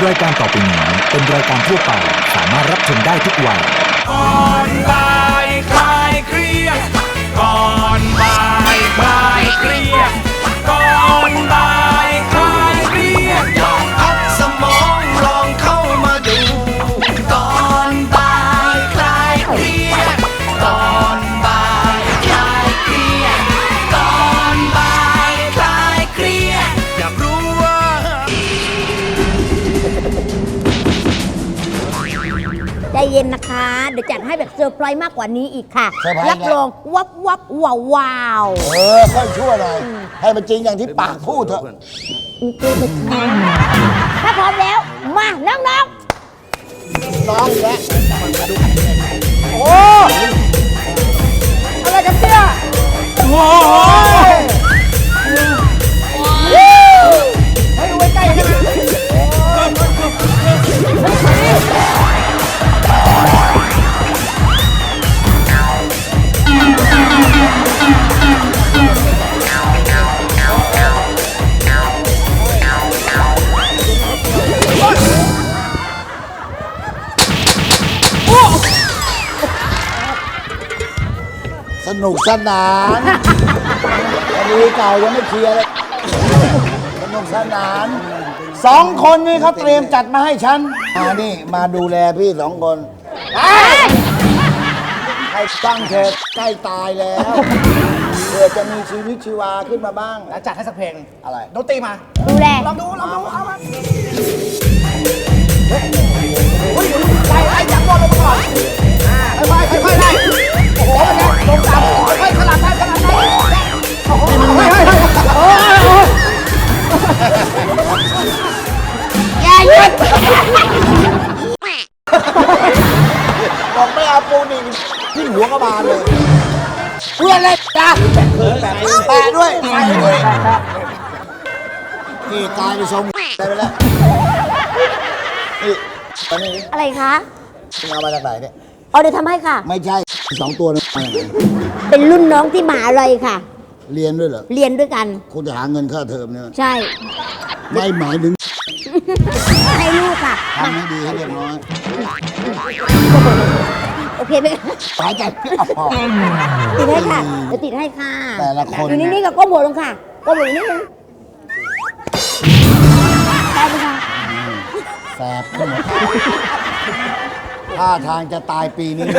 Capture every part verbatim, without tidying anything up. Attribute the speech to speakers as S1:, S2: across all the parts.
S1: รายการต่อไปนี้เป็นรายการทั่วไปสามารถรับชมได้ทุกวัย
S2: ก่อนบ่ายคลายเครียดก่อนบ่ายคลายเครียดก่อนบ่ายคลายเครียดลองพักสมองลองเข้ามาดูก่อนบ่ายคลายเครียดก่อนบ่ายคลายเครียดก่อนบ่ายคลายเครียดอยากรู้ว่า
S3: ใจเย็นนะคะ เดี๋ยวจัดให้แบบเซอร์ไพรส์มากกว่านี้อีกค่ะ
S4: เซอร์ไพรส์
S3: รับรองวับวับว้าวว้าว
S4: เออค่อยชั่วหน่อยให้มันจริงอย่างที่ปากพูดเถอะ
S3: ถ้าพร้อมแล้ว มาน้อง
S4: น้องอีกแล้ว
S3: ๆ โอ้อะไรจะเชื่อ
S2: โอ้ย
S3: ให้ดูใกล้ๆได้ไหม
S4: สนุกสนานคดีเก่ายังไม่เคลียร์เลยสนุกสนานสองคนนี้เขาเตรียมจัดมาให้ฉันมานี่มาดูแลพี่สองคนให้ตั้งเถอะใกล้ตายแล้วเพื่อจะมีชีวิตชีวาขึ้นมาบ้าง
S5: แล้วจัดให้สักเพลง
S4: อะไร
S5: ดนตรีมา
S3: ดูแล
S5: ลองดู ลองดู เอามาเฮ้ยไล่ไล่จับบอลลงมาก่อนอ่าค่อยๆค่อยๆไล่โอ้โหเป็นไงลงต่ำค่อยๆขลับได้ขลับได้โอ้โหเฮ้ยเฮ้ยเฮ้ยโอ้โห
S3: อย่าหยุด
S4: บอกไม่เอาปูนี่พี่หัวก็บานเลยเพื่อนเลยจ้าแปะด้วยแปะด้วยนี่กลายไปนทรงได้ไปแล้วนี่ตอนนี้
S3: อะไรคะ
S4: มึงเอามาจากไหนเนี่ย
S3: เอาเดี๋ยวทำให้ค่ะ
S4: ไม่ใช่สองตัวนั้นมาจากไหน
S3: เป็นรุ่นน้องที่มหาลัยค่ะ
S4: เรียนด้วยเหรอ
S3: เรียนด้วยกัน
S4: คุณจะหาเงินค่าเทอมเนี่ย
S3: ใช่
S4: ไม่หมายถึง
S3: ให้ลูกค่ะ
S4: ทำให้ดีให้เรียบร้อย
S3: โอเคไหม
S4: หายใจไม่ออก
S3: ติดให้ค่ะเดี๋ยวติดให้ค่ะ
S4: แต่ละคน
S3: อยู่นิ่งๆกับก้มหัวลงค่ะก้มหัวนิดนึงได้ไหมคะ
S4: แสบขึ้นหมดท่าทางจะตายปีนี้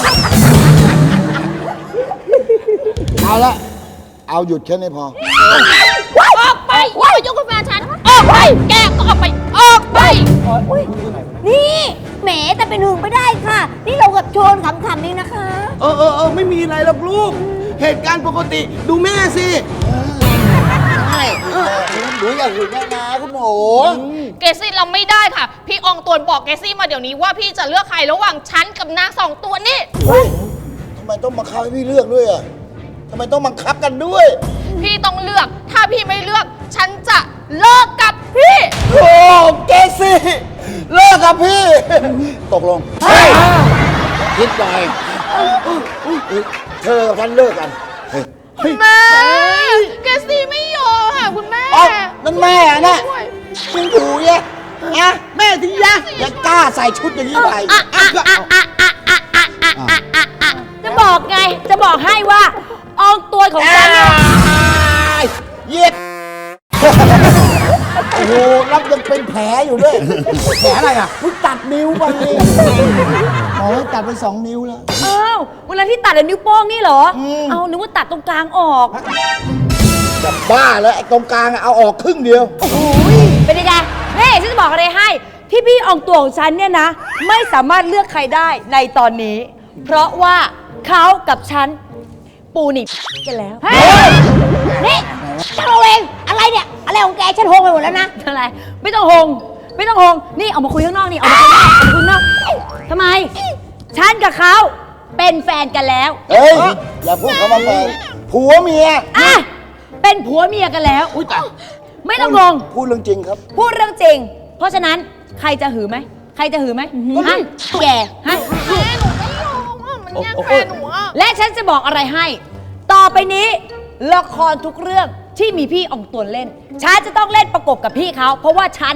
S4: เอาละเอาหยุดแค่นี้พอ
S6: ออกไปอย่ามายุ่งกับแฟนฉัน ออกไป แกก็ออกไป ออกไป
S3: นี่แหมแต่เป็นหึงไม่ได้ค่ะ นี่เรากับโชนขำๆนี่นะคะ
S5: เออเออเออไม่มีอะไรหรอกลูก เหตุการณ์ปกติ ดูแม่สิ
S4: ใช่หนูอยากอยู่แม่นาคุณหนู
S6: เกซี่เราไม่ได้ค่ะ พี่อองตวนบอกเกซี่มาเดี๋ยวนี้ว่าพี่จะเลือกใครระหว่างฉันกับนางสองตัวนี่
S4: ทำไมต้องบังคับให้พี่เลือกด้วยอ่ะทำไมต้องบังคับกันด้วย
S6: พี่ต้องเลือก ถ้าพี่ไม่เลือก ฉันจะเลิกกับพี่
S4: โอ้เกซี่เลิกกับพี่ ตกลงคิดหน่อยเธอกับฉันเลิกกันเฮ้ย
S6: แม่ เกซี่ไม่ยอมค่ะคุณแม่
S4: เอ้านั่นแม่อะน่ะ
S6: ช่วย
S4: มึงถูเนี่ยอะแม่ที่ยะยังกล้าใส่ชุดอย่างนี้ไป
S3: จะบอกไง จะบอกให้ว่าอองตัวของฉันเนี่ย
S4: เย็ดโอ้โหรับยังเป็นแผลอยู่ด้วย
S5: แผลอะไรอ่ะ
S4: เพิ่งตัดนิ้วไปหมอให้ตัดไปสองนิ้วแล้ว
S7: อ้าวเวลาที่ตัดอะนิ้วโป้งนี่เหรอ เอานึกว่าตัดตรงกลางออก
S4: จะบ้าแล้วไอ้ตรงกลางอะเอาออกครึ่งเดียว
S7: โอ้ยเป็นยังไงเฮ้ยฉันจะบอกอะไรให้ ที่พี่อองตัวของฉันเนี่ยนะ ไม่สามารถเลือกใครได้ในตอนนี้ เพราะว่าเขากับฉัน ปูนิกันแล้ว
S3: เฮ้ยนี่ฉันเอาเองอะไรเนี่ย อะไรของแกฉันโฮงไปหมดแล้วนะ
S7: อะไร ไม่ต้องหง ไม่ต้องหง นี่ออกมาคุยข้างนอกนี่ออกมาคุยข้างนอกออกมาคุยข้างนอกทำไม ฉันกับเขาเป็นแฟนกันแล้ว
S4: เฮ้ย อย่าพูดคำว่าแฟนผัวเมีย
S7: อ่ะ เป็นผัวเมียกันแล้ว อุ้ยไม่ต้องงง
S4: พูดเรื่องจริงครับ
S7: พูดเรื่องจริง เพราะฉะนั้นใครจะหือไหม ใครจะหือไหมฮะแกฮะ
S6: แม่หนูไม่ยอมอ่ะ มันแย่งแฟนหนูอ่ะ
S7: และฉันจะบอกอะไรให้ ต่อไปนี้ละครทุกเรื่องที่มีพี่อองตวนเล่น ฉันจะต้องเล่นประกบกับพี่เขา เพราะว่าฉัน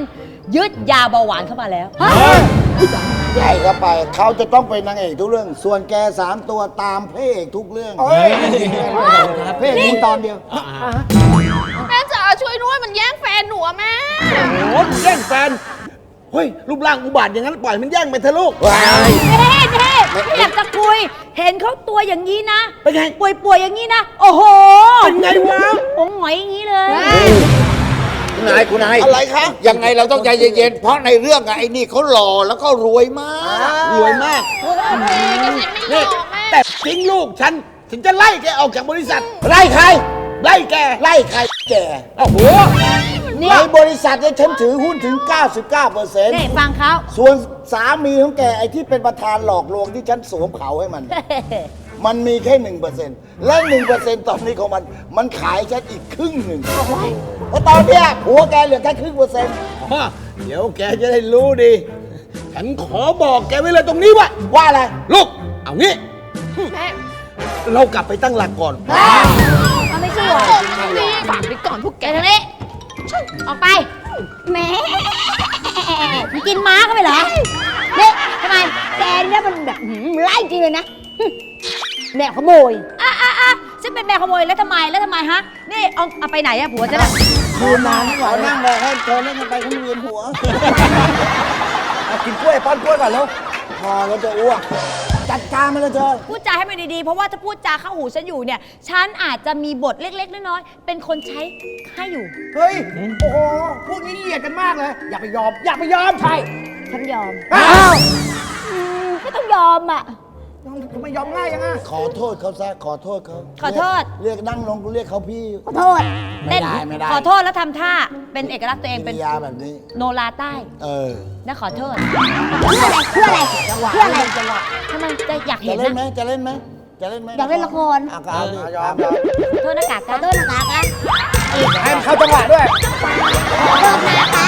S7: ยึดยาเบาหวานเข้ามาแล้ว
S4: ใหญ่เข้าไปเขาจะต้องเป็นนางเอกทุกเรื่อง ส่วนแกสามตัวตามพระเอกทุกเรื่องพระเอกมีตอนเดียว
S6: แม่จ๋าช่วยด้วยมันแย่งแฟนหนูอะแม่
S5: โอ้ยแย่งแฟน เฮ้ย รูปร่างอุบาทอย่างนั้นปล่อยมันแย่งไปเถอะลูก
S7: เท่เท่ไม่อยากจะคุย เห็นเขาตัวอย่างนี้นะ
S5: เป็นไง
S7: ป่วยๆอย่างนี้นะ โอ้โห
S5: เป็นไงวะ
S7: ผมหงอยอย่างนี้เลย
S4: คุณนายคุณนาย
S5: อะไรคะ
S4: ยังไงเราต้องใจเย็นๆ เพราะในเรื่องอะไอ้นี่เขาหล่อแล้วก็รวยมาก
S5: รวยมาก
S6: เกษตรไม่ย
S5: นี่
S6: อมแม่
S5: แต่ทิ้งลูกฉัน ถึงจะไล่แกออกจากบริษัท
S4: ไล่ใคร
S5: ไล่แก
S4: ไล่ใครแก
S5: โอ้โห
S4: ในบริษัทเนี่ยฉันถือหุ้นถึง เก้าสิบเก้าเปอร์เซ็นต์
S7: นี่ฟังเขา
S4: ส่วนสามีของแกไอ้ที่เป็นประธานหลอกลวงที่ฉันสวมเขาให้มัน มันมีแค่หนึ่งเปอร์เซ็นต์และหนึ่งเปอร์เซ็นต์ตอนนี้ของมัน มันขายฉันอีกครึ่งหนึ่งเพราะตอนเนี้ยผัวแกเหลือแค่ครึ่งเปอร์เซ็นต์
S5: อ๋อเดี๋ยวแกจะได้รู้ดี ฉันขอบอกแกไว้เลยตรงนี้ว่า
S4: ว่าอะไร
S5: ลูก เอางี้
S6: แม่
S5: เรากลับไปตั้งหลักก่อน
S3: มันไม่เชื่อ
S6: นี่ฝากไปก่อนพวกแก
S7: แกทางนี้ ออกไป
S3: แหม่มึงกินม้าก็ไปเหรอเนี่ยทำไมแกเนี่ยมันแบบหืมไล่จริงเลยนะหึแม่ขโมย
S7: อ่ะอ่ะอ่ะฉันเป็นแม่ขโมยแล้วทำไม แล้วทำไมฮะ นี่เอาเอาไปไหนอะผัวจะน่ะ
S4: คืนนานขอนั่งรอให้เธอเล่นกันไปเขาเวียนหัว
S5: เอากินกล้วยป้อนกล้วยก่อนแล้ว
S4: พอแล้วจะอ้วก จัดการมาเลยเธอ
S7: พูดจาให้มันดีๆ เพราะว่าถ้าพูดจาเข้าหูฉันอยู่เนี่ย ฉันอาจจะมีบทเล็กๆ น้อยๆ เป็นคนใช้ให้อยู่
S5: เฮ้ย โอ้โห พวกนี้เหยียดกันมากเลย อย่าไปยอม อย่าไปยอม ใช่
S3: ฉันยอม
S5: อ้าว
S3: อืมก็ต้องยอมอ่ะ
S5: ทำไมยอมง่ายยังไง
S4: ขอโทษเขาซะ ขอโทษเขา
S7: ขอโทษ
S4: เรียกนั่งลงกูเรียกเขาพี่
S3: ขอโทษ
S4: ไม่ได้ไม่ได้
S7: ขอโทษแล้วทำท่า เป็นเอกลักษณ์ตัวเอง
S4: กิ
S7: เป็น
S4: ริยาแบบนี้
S7: โนราใต้
S4: เออ
S7: นะขอโทษ
S3: เพื่ออะไร เพื่ออะไร เพื่ออะไร
S7: ทำไมจะอยาก
S4: จะ
S7: เห็น
S4: เล่นไหม
S7: นะ
S4: จะเล่นไหมจะเล่นไหม
S3: อยากเล่นละคร
S4: อ่ะก็เอาดิ
S5: ยอมยอม
S7: โทษหน้ากาก
S3: ขอ
S7: จ้ะ
S3: โทษนะคะคะ
S5: ให้มันเข้าจังหวะด้วย
S3: ขอโทษนะคะ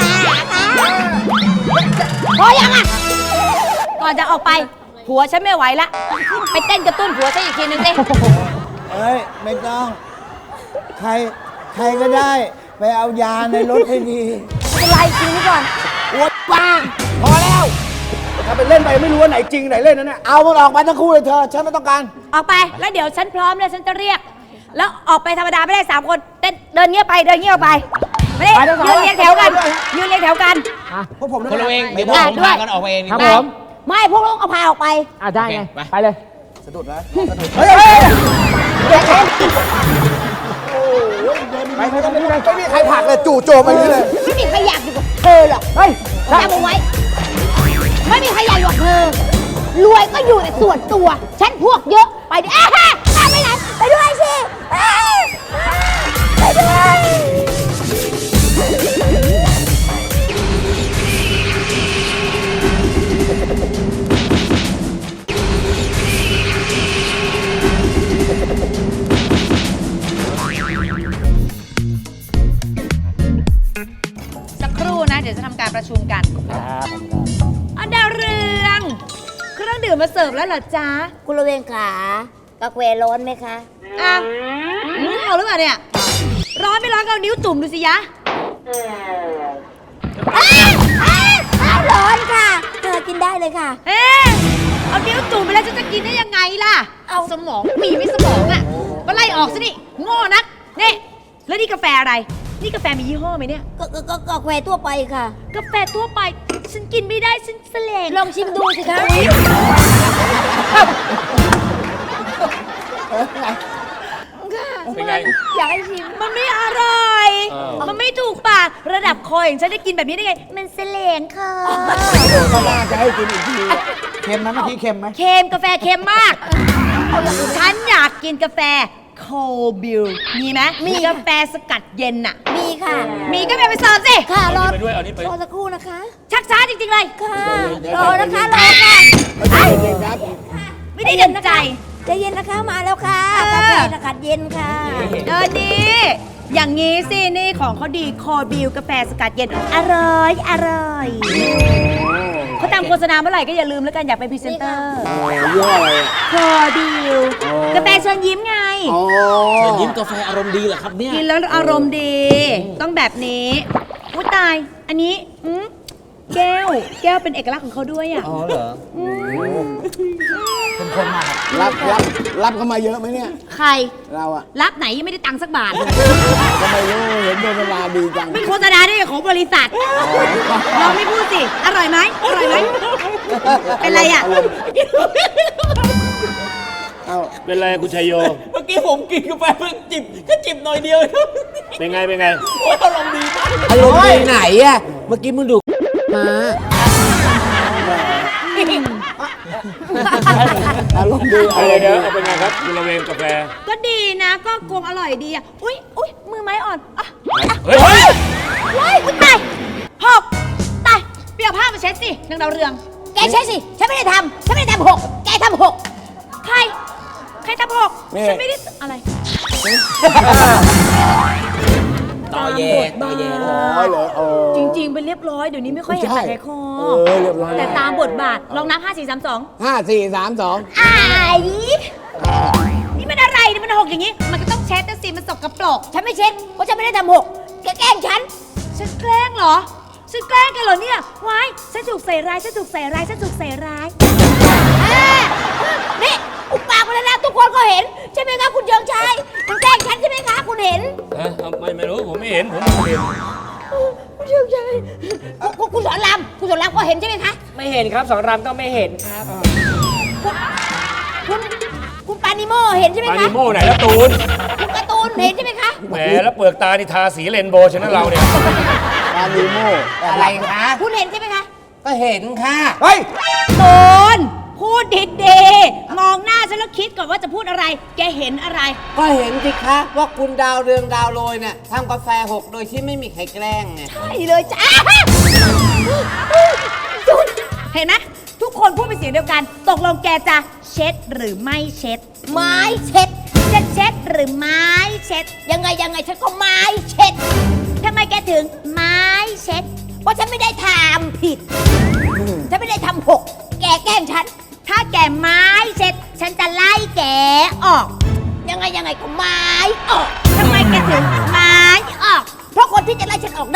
S3: พอยังอ่ะ
S7: ก่อนจะออกไป ผัวฉันไม่ไหวละ ไปเต้นกระตุ้นผัวฉันอีกทีนึงสิ
S4: เอ้ย ไม่ต้อง ใคร ใครก็ได้ ไปเอายาในรถให้ดี
S3: เป็นไรกินนี่ก่อน
S4: ปวดบ้าง
S5: พอแล้ว ถ้าไปเล่นไปไม่รู้ว่าไหนจริงไหนเล่นนั่นน่ะ
S4: เอามันออกไปทั้งคู่เลยเธอ ฉันไม่ต้องการ
S7: ออกไป แล้วเดี๋ยวฉันพร้อมแล้วฉันจะเรียก แล้วออกไปธรรมดาไม่ได้สามคนเต้นเดินเงียบไป เดินเงียบไป ไม่ได้
S5: ไปทั้งสอง
S7: ยืนเรียงแถวกัน ยืนเรียงแถวกัน
S5: พวกผม
S8: คนเราเอง
S5: ไม่
S8: เดี๋ยวพว
S5: ได้
S8: กผมพากันออกไปเอง
S3: ครับผม ไม่พวกเราเอาพาออกไป
S8: อ่ะได้ไง ไปเลย
S5: สะดุดนะสะดุดเฮ้ยเฮ้ยไปไปไปไม่มีใครผลักเลยจู่โจมไปนี่เลย
S3: ไม่มีใครอยากอยู่กับเธอหรอก
S5: เฮ้ย
S3: จำเอาไว้ ไม่มีใครอยากอยู่กับเธอ รวยก็อยู่แต่ส่วนตัว ฉันพวกเยอะ ไปดิอ่ะฮะอ่ะไปไหน ไปด้วยสิอ่ะไปด้วย
S7: สักครู่นะ เดี๋ยวจะทำการประชุมกันอันดาวเรือง เครื่องดื่มมาเสิร์ฟแล้วเหรอจ๊ะ
S3: คุณระเวงขากาแฟร้อนไหมคะ
S7: อ่ะมึงเอาหรือเปล่าเนี่ย ร้อนไม่ร้อนก็เอานิ้วจุ่มดูสิยะ
S3: อ้าวอ้าวอ้าวร้อนค่ะ เธอกินได้เลยค่ะ
S7: เอ๊ะเอานิ้วจุ่มไปแล้วฉันจะกินได้ยังไงล่ะ เอาสมองมีไม่สมองอ่ะมาไล่ออกซะนี่โง่นักนี่แล้วนี่กาแฟอะไร นี่กาแฟมียี่ห้อไหมเนี่ย
S3: ก็ก็ก็กาแฟทั่วไปค่ะ
S7: กาแฟทั่วไป ฉันกินไม่ได้ฉันเสลง
S3: ลองชิมดูสิคะ
S8: เป็นไง
S3: อยากให้ชิม
S7: มันไม่อร่อย มันไม่ถูกปากระดับคออย่างฉันได้กินแบบนี้ได้ไง มันเสลงค่ะ
S4: ก็น่าจะให้กินอีกที เค็มไหมเมื่อกี้เค็มไหม
S7: เค็มกาแฟเค็มมาก ฉันอยากกินกาแฟโคบิลมีไหมมีกาแฟสกัดเย็นน่ะ
S3: มีค่ะ
S7: มีก็ไปไปเสิร์ฟสิ
S3: ค่ะรอ
S8: ไปด้วยเอานี่ไป
S3: รอสักครู่นะคะ
S7: ชักช้าจริงๆเลย
S3: ค่ะ รอนะคะ รอค่ะ
S7: ไม่ได้ดันใจ
S3: ใจเย็นนะคะ มาแล้วค่ะ
S7: เออ
S3: กาแฟสกัดเย็นค่ะ
S7: เออนี่อย่างงี้สิ นี่ของเขาดีโคบิลกาแฟสกัดเย็น อร่อย อร่อยเขาตามโฆษณาเมื่อไหร่ก็อย่าลืมแล้วกันอยากเป็นพรีเซนเตอร์
S4: ยี่ห้ออะไรอ่ะ
S7: โคบิลกาแฟเชิญยิ้มไง
S4: อ๋อ
S8: เชิญยิ้มกาแฟอารมณ์ดีเหรอครับเนี่ย
S7: กินแล้วอารมณ์ดี ต้องแบบนี้อุ้ยตาย อันนี้อืมแก้ว แก้วเป็นเอกลักษณ์ของเขาด้วยอ่ะ
S5: อ๋อเหรอ
S4: เป็นคนมากรับรับรับเข้ามาเยอะไหมเนี่ย
S7: ใคร
S4: เราอะ
S7: รับไหนยังไม่ได้ตังค์สักบาทเลย
S4: ก็ไม่รู้เห็นโดนเวลาดีจัง
S7: ไม่โฆษณาได้ของบริษัทเราไม่พูดสิ อร่อยไหมอร่อยไหมเป็นไรอ่ะ
S4: เอา
S8: เป็นไรคุณชัยโย
S5: เมื่อกี้ผมกินกาแฟเพิ่งจิบก็จิบหน่อยเดียวครับ
S8: เป็นไง เป็นไง
S5: โอ้ยอารมณ์ดีมาก
S9: อารมณ์ดีไหนอะเมื่อกี้มึงดูมา
S4: อารมณ์ดี
S8: เอาเลยเดี๋ยวเอาเป็นไงครับคุณระเวงกาแฟ
S7: ก็ดีนะ ก็คงอร่อยดีอ่ะ อุ้ยอุ้ยมือไม้อ่อนอ่ะ
S8: เฮ้ย
S7: ว้ายอุ๊ยตายหกตายเปียกผ้ามาเช็ดสินางดาวเรือง
S3: แกใช่สิ ฉันไม่ได้ทำ ฉันไม่ได้ทำหก แกทำหก
S7: ใคร ใครทำหกฉันไม่ได้อะไร
S9: ต่อแย่ต่อแย่
S4: อ๋อเหรอเออ
S7: จริงๆ เป็นเรียบร้อย เดี๋ยวนี้ไม่ค่อยเห็น
S4: ใช่
S7: แต่ในคอ
S4: เออเรียบร้อย
S7: แต่ตามบทบาท ลองนับห้าสี่สามสอง
S4: ห้าสี่สามสอง
S7: อ้ายนี่มันอะไรนี่มันหกอย่างนี้ มันก็ต้องเช็ดแต่สิมันสกปรก
S3: ฉันไม่เช็ด เพราะฉันไม่ได้ทำหก แกแกล้งฉัน
S7: ฉันแกล้งเหรอ ฉันแกล้งกันเหรอเนี่ย วาย ฉันถูกใส่ร้าย ฉันถูกใส่ร้าย ฉันถูกใส่ร้าย
S3: นี่อุปปากมาแล้วนะทุกคนก็เห็น ใช่ไหมคะคุณเชิงชัยคุณแกล้งฉันใช่ไหมคะคุณเห็น
S8: เอ้ยไม่ไม่รู้ ผมไม่เห็น ผมไม่เห็น
S3: คุณเชิงชัยคุณคุณสอนรามคุณสอนรามก็เห็นใช่ไหมคะ
S9: ไม่เห็นครับสองรามก็ไม่เห็นครับ
S3: คุณคุณปานิโมเห็นใช่ไหม
S8: ปา
S3: คะ
S8: นิโม่ไหนละตูน
S3: คุณการ์ตูนเห็นใช่ไหมคะ
S8: แหม แล้วเปลือกตานี่ทาสีเรนโบว์ชนะเราเนี่ย
S4: ปานิโม
S9: อะไรคะ
S3: คุณเห็นใช่ไหมคะ
S9: ก็เห็นค่ะ
S5: เฮ้ย
S7: โดนพูดดีๆมองหน้าฉันแล้วคิดก่อนว่าจะพูดอะไร แกเห็นอะไร
S9: ก็เห็นสิคะว่าคุณดาวเรืองดาวโรยเนี่ยทำกาแฟหกโดยที่ไม่มีใครแกล้งไง
S3: ใช่เลยจ้า
S7: เห็นไหมทุกคนพูดเป็นเสียงเดียวกัน ตกลงแกจะเช็ดหรือไม่เช็ด
S3: ไม้เช็ด
S7: จะเช็ดหรือไม้เช็ด
S3: ยังไงยังไงฉันก็ไม้เช็ด
S7: ทำไมแกถึงไม้เช็ด
S3: เพราะฉันไม่ได้ทำผิด ฉันไม่ได้ทำหก แกแกล้งฉัน
S7: ถ้าแกไม้เช็ด ฉันจะไล่แกออก
S3: ยังไงยังไงก็ไม้ออก
S7: ทำไมแกถึงไม้ออก
S3: เพราะคนที่จะไล่ฉันออกได้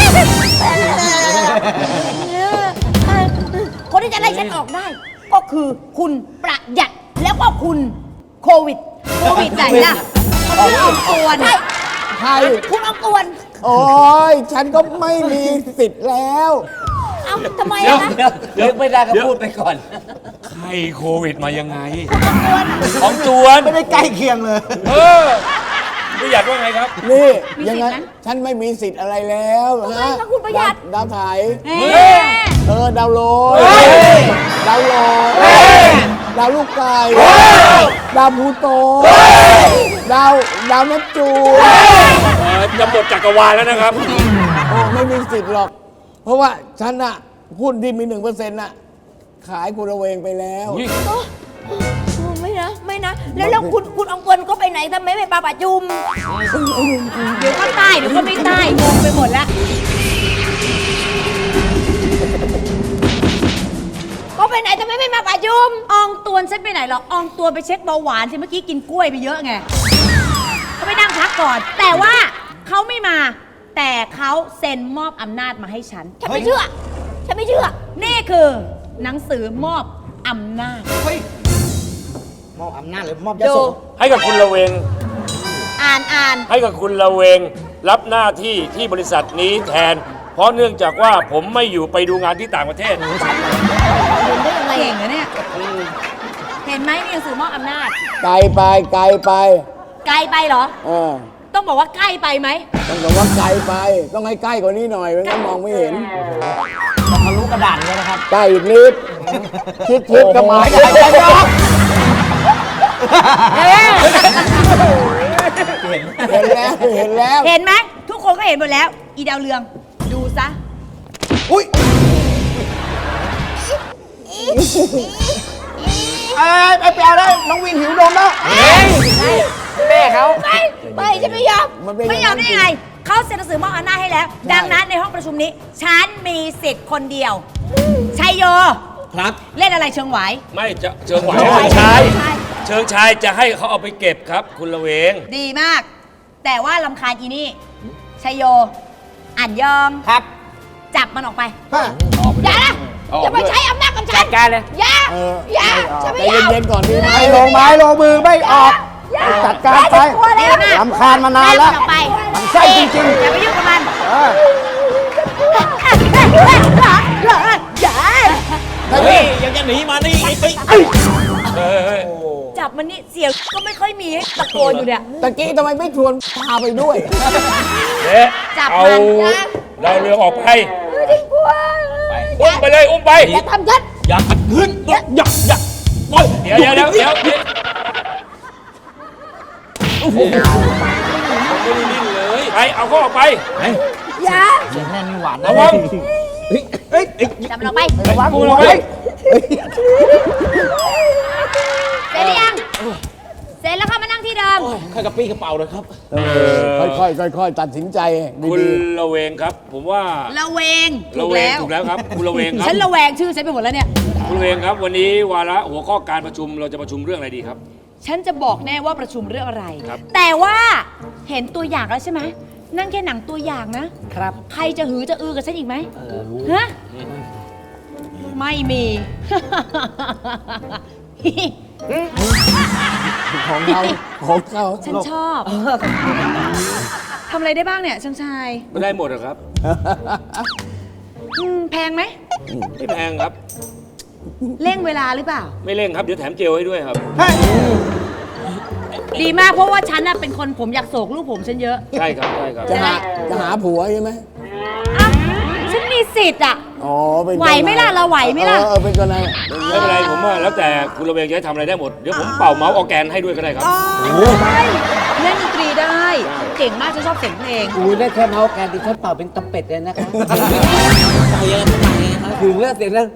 S3: คนที่จะไล่ฉันออกได้ ก็คือคุณประหยัดแล้วก็คุณโควิด
S7: โควิดไหนล่ะเขาเพิ่งออกตัว
S3: ใช่
S7: นะ
S4: ใคร
S3: คุณออกตวน
S4: โอ้ยฉันก็ไม่มีสิทธิ์แล้ว
S3: เอ้าทำไม
S8: เดี๋ยว
S3: อะคะ
S9: เดี๋ยวไม่ได้ก็พูดไปก่อน
S8: ใครโควิดมายังไง ของจวน
S4: ไม่ได้ใกล้เคียงเลย
S8: เออประหยัดว่าไงครับ
S4: นี่ยังไงฉันไม่มีสิทธิ์อะไรแล้ว
S3: ทำไม
S4: นะ
S3: คะคุณประหยัด
S4: ดาวไถ
S7: เฮ้ย
S4: เออดาวโรยดาวโรยดาวลูกไก่ดาวพลูโตดาวดาวเนปจูน
S8: เออจะหมดจักรวาลแล้วนะครับ
S4: โอ้ไม่มีสิทธิ์หรอก เพราะว่าฉันอะหุ้นที่มีหนึ่งเปอร์เซ็นต์อะขายกูระเวงไปแล้ว
S8: อุ๊ย
S3: โอ้โอ้ไม่นะ ไม่นะ แล้วแล้วคุณคุณอองตวนก็ไปไหนทำไมไม่ปาปะจุม
S7: เดี๋ยวก็ใต้เดี๋ยวก็ไม่ใต้งงไปหมดแล้ว
S3: ก็ไปไหนทำไมไม่มาปะจุม
S7: อองตวนฉันไปไหนหรออองตวนไปเช็คเบาหวานสิเมื่อกี้กินกล้วยไปเยอะไงเขาไปนั่งพักก่อน แต่ว่าเขาไม่มา แต่เขาเซ็นมอบอำนาจมาให้ฉัน
S3: ฉันไม่เชื่อ ฉันไม่เชื่อ
S7: นี่คือหนังสือมอบอำนาจ
S5: เฮ้ย มอบอำนาจหรือมอบย
S7: ดู
S5: โส
S8: ให้กับคุณระเวง
S7: อ่านอ่าน
S8: ให้กับคุณระเวง รับหน้าที่ที่บริษัทนี้แทน เพราะเนื่องจากว่าผมไม่อยู่ไปดูงานที่ต่างประเทศ
S7: เห็นได้ยังไงเก่งนะเนี่ยเห็นไหมนี่หนังสือมอบอำนาจ
S4: ไกลไปไกลไป
S7: ไกลไปเหรอ
S4: เออ
S7: ต้องบอกว่าใกล้ไปไหม
S4: ต้องบอกว่าไกลไป ต้องให้ใกล้กว่านี้หน่อยไม่งั้นมองไม่เห็น
S5: ทะลุกระดานเลยนะครับ
S4: ใกล้อีกนิดชิดชิดๆก็มา
S5: ไม่ได้ไม่ได้
S4: เห็นแล้วเห็นแล้ว
S7: เห็นไหมทุกคนก็เห็นหมดแล้ว อีดาวเรืองดูซะ
S5: อุ้ยเอ้ยไปแปลได้น้องวินหิวนมแล้ว
S9: แม่เขา
S3: ไม่ไม่ฉันไม่ยอม
S4: มันเป็น
S7: ไม่ยอมได้ยังไง เขาเซ็นหนังสือมอบอำนาจให้แล้ว ดังนั้นในห้องประชุมนี้ ฉันมีสิทธิ์คนเดียว ชัยโย
S9: ครับ
S7: เล่นอะไรเชิงไหว
S8: ไม่จะเชิงไหว
S7: เชิงไหว
S8: เชิงชาย
S7: ใช่
S8: เชิงชายจะให้เขาเอาไปเก็บครับ คุณระเวง
S7: ดีมาก แต่ว่าลำคาญอีนี่ ชัยโยอ่านยอง
S5: ครับ
S7: จับมันออกไป
S3: อย่านะอย่ามาใช้อำนาจกับฉัน
S5: จัดการเลย
S3: อย่าอย่าฉันไม่
S4: ใจ
S3: เอา
S4: เย็นๆก่อนดีไหม
S5: ไม่ลงไม้ลงมือไม่ออก จัดการไป
S3: กลัวแล้วนะ
S5: รำคาญมานานแล้ว
S7: ไล่มันออกไป
S5: มันไส้จริงๆ
S7: อย่าไปยุ่งกับมัน
S5: เออ
S7: อย่า
S2: เฮ้ยยังจะหนีมานี่ไอ้ปิ๊ก
S8: เฮ้ยเฮ้ย
S7: จับมันนี่เสียงก็ไม่ค่อยมีให้ตะโกนอยู่เนี่ย
S5: ตะกี้ทำไมไม่ชวนพาไปด้วย
S8: เอ๊ะ
S7: จับ
S8: เอา
S7: มันนะ
S8: เราเรือออกไป
S3: กลัว
S8: อุ้มไปเลยอุ้มไป
S3: อย่าทำฉัน
S2: อย่าขัดขืนอย่าอย่าอย่าปล่อย
S8: เดี๋ยวเดี๋ยวเดี๋ยวเดี๋ยวเดี๋ยวผมไม่ได้นิ่งเลยไปเอาเขาออกไป
S3: อย่า
S8: ระวัง
S7: จับมันออกไป
S8: ระวังกูระวัง
S7: เสร็จหรือยัง เสร็จแล้วเข้ามานั่งที่เดิม
S2: ข้ากระปี้กระเป๋าเลยครับ
S4: ค่อยๆค่อยๆตัดสินใจ
S8: คุณ
S4: ดี
S8: ระเวงครับ ผมว่า
S7: ระเวง ถู
S8: ระ
S7: ก
S8: เวง
S7: แล้ว
S8: ถูกแล้วครับคุณระเวงครับ
S7: ฉันระแวงชื่อฉันไปหมดแล้วเนี่ย
S8: คุณระเวงครับ วันนี้วาระหัวข้อการประชุมเราจะประชุมเรื่องอะไรดีครับ
S7: ฉันจะบอกแน่ว่าประชุมเรื่องอะไร
S8: ครับ
S7: แต่ว่าเห็นตัวอย่างแล้วใช่ไหม นั่นแค่หนังตัวอย่างนะ
S5: ครับ
S7: ใครจะหือจะอือกับฉันอีกไหมฮะ ไม่มี
S4: ของเขาของเขา
S7: ฉันชอบ ทำอะไรได้บ้างเนี่ยช่างชาย
S8: ไม่ได้หมดหรอกครับ
S7: อืมแพงไหม
S8: ไม่แพงครับ
S7: เร่งเวลาหรือเปล่า
S8: ไม่เร่งครับเดี๋ยวแถมเจลให้ด้วยครับ
S7: ดีมากเพราะว่าฉันน่ะเป็นคนผมอยากโศกลูกผมฉันเยอะ
S8: ใช่ครับใช่ครับ
S4: จะหาจะหาผัวใช่ไหม
S7: อ่ะฉันมีสิทธิ์อ่ะ
S4: อ๋อเป็น
S7: ไหวไหมล่ะเราไหวไหมล่ะ
S4: เออเออเป็นคนไหน
S8: ไม่เป็นไรผมว่าแล้วแต่คุณระเวงจะให้ทำอะไรได้หมด เดี๋ยวผมเป่าเมาส์ออร์แกนให้ด้วยก็ได้ครับ
S7: เล่นดนตรีได้ เก่งมากฉันชอบเสียงเพลง
S9: อูได้แค่เมาส์แกนดิฉันเป่าเป็นตะเป็ดเลยนะคะเป่าเยอะทำไมครับถึงเลือกเสียงแล้ว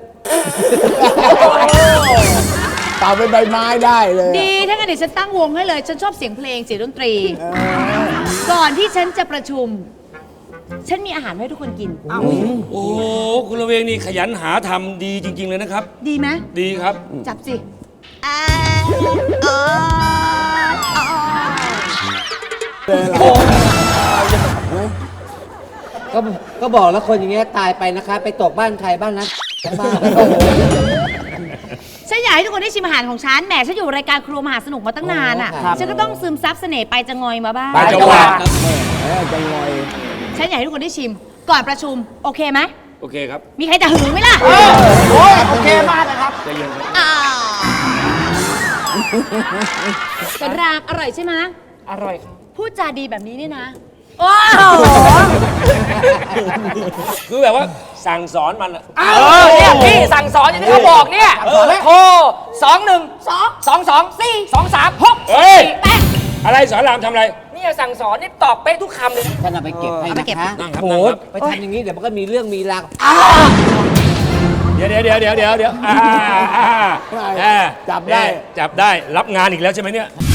S4: เป่าเป็นใบไม้ได้เลย
S7: ดีถ้างั้นเดี๋ยวฉันตั้งวงให้เลย ฉันชอบเสียงเพลงเสียงดนตรี ก่อนที่ฉันจะประชุม ฉันมีอาหารให้ทุกคนกิน
S8: โอ้โหคุณระเวงนี่ขยันหาทำดีจริง ๆ เลยนะครับ
S7: ดีไหม
S8: ดีครับ
S7: จับสิ
S9: ก็ก็บอกแล้วคนอย่างเงี้ยตายไปนะคะ ไปตกบ้านใครบ้านนะบ้าน
S7: ฉันอยากให้ทุกคนได้ชิมอาหารของฉัน แหมฉันอยู่รายการครัวมหาสนุกมาตั้งนานอ่ะ ฉันก็ต้องซึมซับเสน่ห์ไปจะงอยมาบ้าง
S8: ไปจังหวัด
S4: เออจะงอย
S7: ฉันอยากให้ทุกคนได้ชิม ก่อนประชุม โอเคไหม
S8: โอเคครับ
S7: มีใครจะหึงไหมล่ะ
S5: โอ้ยโอเคมากนะครับ
S8: ใจเย็นครับ
S7: อ่ากระรามอร่อยใช่ไหม
S5: อร่อยครับ
S7: พูดจาดีแบบนี้นี่นะ โอ้โห
S8: คือแบบว่าสั่งสอนมันอะ
S5: เออเนี่ยพี่สั่งสอนอย่างที่เขาบอกเนี่ยโทรสองหนึ่งสองสองสองสี่สองสามหก
S8: เฮ้ย
S5: แปด
S8: อะไรสอนรามทำอะไร
S5: นี่สั่งสอนนี่ตอบเป๊ะทุกคำเลย
S9: ฉันเอาไปเก็บให้นะคะ
S8: นั่งครับ
S9: โอ้
S8: นั่ง
S9: โห
S8: ครับ
S9: ไปทำอย่างนี้เดี๋ยวมันก็มีเรื่องมีราว
S8: เดี๋ยวเดี๋ยวเดี๋ยวเดี๋ยวเดี๋ยวเดี๋ยวอ่าอ่าอ่า
S4: จับได้
S8: เอ๊ะจับได้รับงานอีกแล้วใช่ไหมเนี่ย